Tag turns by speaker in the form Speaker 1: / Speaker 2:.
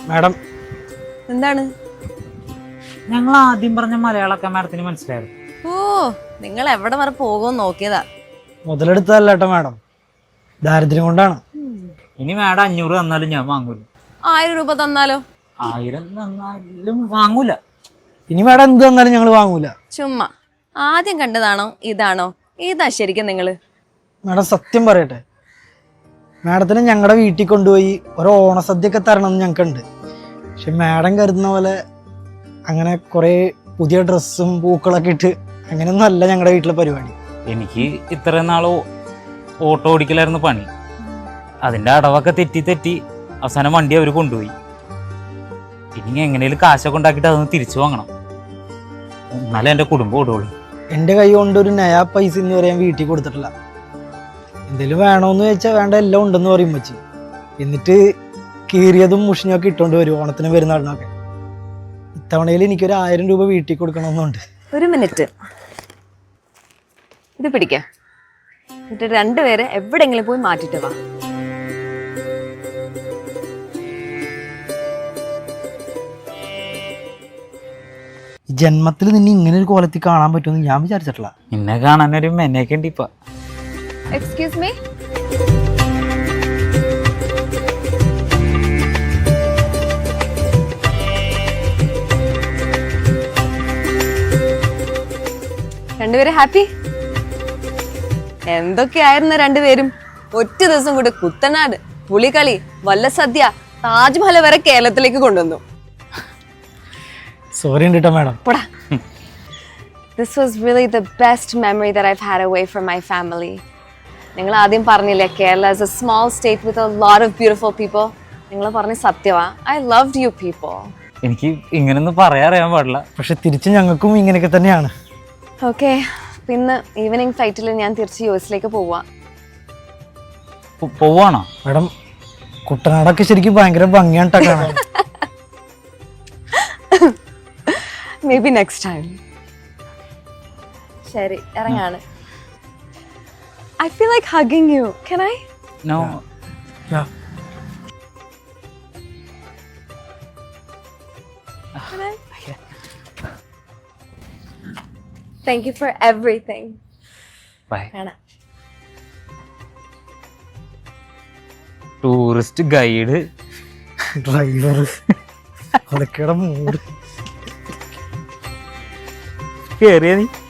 Speaker 1: Madam
Speaker 2: എന്താണ്?
Speaker 3: ഞങ്ങൾ ആദ്യം പറഞ്ഞ മലയാളമൊക്കെ മാഡത്തിന് മനസ്സിലായിരുന്നു.
Speaker 2: ഓ, നിങ്ങൾ എവിടെ വരെ പോകുമെന്ന് നോക്കിയതാ.
Speaker 1: മുതലെടുത്തതല്ല കേട്ടോ മാഡം, ദാരിദ്ര്യം കൊണ്ടാണ്.
Speaker 3: ഇനി മാഡം 500 തന്നാലും ഞാൻ വാങ്ങൂല.
Speaker 2: 1000 രൂപ തന്നാലോ?
Speaker 3: 1000 തന്നാലും വാങ്ങൂല.
Speaker 1: ഇനി മാഡം എന്ത് തന്നാലും ഞങ്ങൾ വാങ്ങൂല.
Speaker 2: ചുമ്മാ ആദ്യം കണ്ടതാണോ ഇതാണോ? ഇതാ ശരിക്കും നിങ്ങള്?
Speaker 1: മാഡം സത്യം പറയട്ടെ, മാഡത്തിനെ ഞങ്ങളുടെ വീട്ടിൽ കൊണ്ടുപോയി ഒരു ഓണസദ്യയൊക്കെ തരണമെന്ന് ഞങ്ങൾക്കുണ്ട്. പക്ഷെ മാഡം കരുതുന്ന പോലെ അങ്ങനെ കുറേ പുതിയ ഡ്രസ്സും പൂക്കളൊക്കെ ഇട്ട് അങ്ങനെയൊന്നും അല്ല ഞങ്ങളുടെ വീട്ടിലെ പരിപാടി.
Speaker 3: എനിക്ക് ഇത്രയും നാളോ ഓട്ടോ ഓടിക്കലായിരുന്നു പണി. അതിന്റെ അടവൊക്കെ തെറ്റി അവസാനം വണ്ടി അവർ കൊണ്ടുപോയി. ഇനി എങ്ങനെയും കാശൊക്കെ ഉണ്ടാക്കിയിട്ട് അതൊന്ന് തിരിച്ചു വാങ്ങണം, എന്നാലും എൻ്റെ കുടുംബം ഓടുള്ളൂ.
Speaker 1: എൻ്റെ കൈ കൊണ്ട് ഒരു നയാ പൈസ എന്ന് പറയാൻ വീട്ടിൽ കൊടുത്തിട്ടില്ല. എന്തെങ്കിലും വേണമെന്ന് ചോദിച്ചാൽ വേണ്ട, എല്ലാം ഉണ്ടെന്ന് പറയും വെച്ച്. എന്നിട്ട് കീറിയതും മുഷിഞ്ഞൊക്കെ ഇട്ടുകൊണ്ട് വരും ഓണത്തിന് പെരുന്നാളിനൊക്കെ. ഇത്തവണയിൽ എനിക്കൊരു 1000 രൂപ വീട്ടിൽ കൊടുക്കണമെന്നുണ്ട്.
Speaker 2: ഒരു മിനിറ്റ്, ഇത് പിടിക്ക. എന്നിട്ട് രണ്ടുപേരെ എവിടെങ്കിലും പോയി മാറ്റിട്ട് വാ.
Speaker 1: ഈ ജന്മത്തിൽ നിന്നെ ഇങ്ങനെ ഒരു കോലത്തിൽ കാണാൻ പറ്റുമെന്ന് ഞാൻ വിചാരിച്ചിട്ടില്ല.
Speaker 3: എന്നെ കാണാനൊരു മെനയൊക്കെ ഉണ്ട് ഇപ്പൊ.
Speaker 2: എക്സ്ക്യൂസ് മീ, രണ്ടുപേരും ഹാപ്പി? എന്തൊക്കെയായിരുന്നു രണ്ടുപേരും? ഒറ്റ ദിവസം കൂടെ കുത്തനാട്, പുളികളി, വല്ലസദ്യ, താജ്മഹൽ വരെ കേരളത്തിലേക്ക് കൊണ്ടുവന്നു.
Speaker 1: സോറി ഉണ്ട് കേട്ടോ മാഡം.
Speaker 2: പോടാ. This was really the best memory that I've had away from my family. നിങ്ങൾ ആദ്യം പറഞ്ഞില്ലേ Kerala is a small state with a lot of beautiful people. നിങ്ങൾ പറഞ്ഞ സത്യവാ. I loved you people.
Speaker 3: എനിക്ക് ഇങ്ങനൊന്നും പറയാറിയാൻ പാടില്ല,
Speaker 1: പക്ഷെ തിരിച്ച് ഞങ്ങൾക്കും ഇങ്ങനെയൊക്കെ തന്നെയാണ്.
Speaker 2: ഓക്കെ, പിന്നെ ഈവനിങ് ഫ്ലൈറ്റിൽ ഞാൻ തിരിച്ച് യുഎസിലേക്ക് പോവാ.
Speaker 3: പോവാണോ
Speaker 1: മാഡം? കുട്ടനാടൊക്കെ ശരിക്കും ഭയങ്കര ഭംഗിയാണ് ട്ടോ കാണാൻ.
Speaker 2: Maybe next time. ശരി, ഇറങ്ങാണ്. I feel like hugging you. Can I?
Speaker 3: No.
Speaker 1: Yeah.
Speaker 2: Can I? Thank you for everything.
Speaker 3: Bye.
Speaker 2: കാണാം.
Speaker 3: ടൂറിസ്റ്റ് ഗൈഡ്,
Speaker 1: ഡ്രൈവർ, അതൊക്കെയുടെ മൂഡ്.
Speaker 3: കേറിയ നീ.